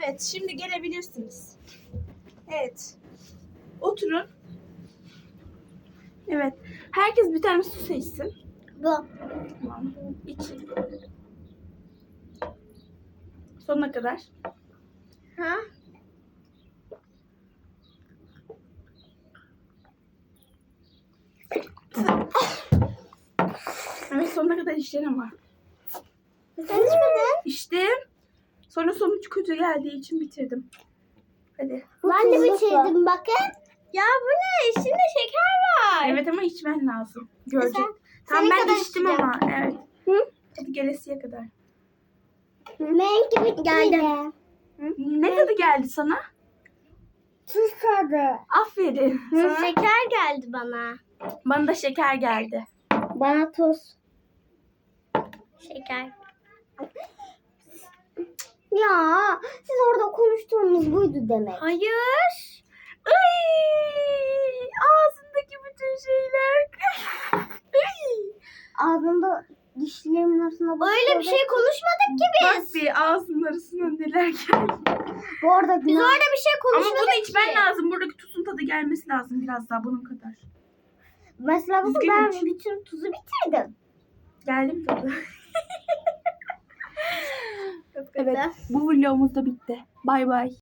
Evet, şimdi gelebilirsiniz. Evet. Oturun. Evet. Herkes bir tane su seçsin. Bu. Tamam. İçin. Sonuna kadar. Ha? Evet, sonuna kadar içtin ama. Sen içmedin. İçtim. Sonra sonuç kötü geldiği için bitirdim. Hadi. Ben de bitirdim bakın. Ya bu ne? İçinde şeker var. Evet ama içmen lazım. Görecek. Sen- Tamam senin ben kadar içtim içeceğim. ama. Evet. Hı? Hadi gelesiye kadar. Benimki bitti geldi. Ne tadı geldi sana? Tuz tadı. Aferin. Sana, Şeker geldi bana. bana da şeker geldi. Bana tuz. Şeker. Ya siz orada konuştuğunuz buydu demek. Hayır. Ay, ağzındaki bütün şeyler. Ay. Ağzımda dişlerimin arasına bakıyor. Öyle bir şey konuşmadık ki Bak bir ağzının arasından neler geldi. Bu arada biz orada bir şey Ama konuşmadık bunu içmen ki. lazım. Buradaki tuzun tadı gelmesi lazım biraz daha bunun kadar. Mesela bakın Düzgün ben iç. bütün tuzu bitirdim. Geldi mi tadı? Çok Evet, bu vlogumuz da bitti. Bay bay.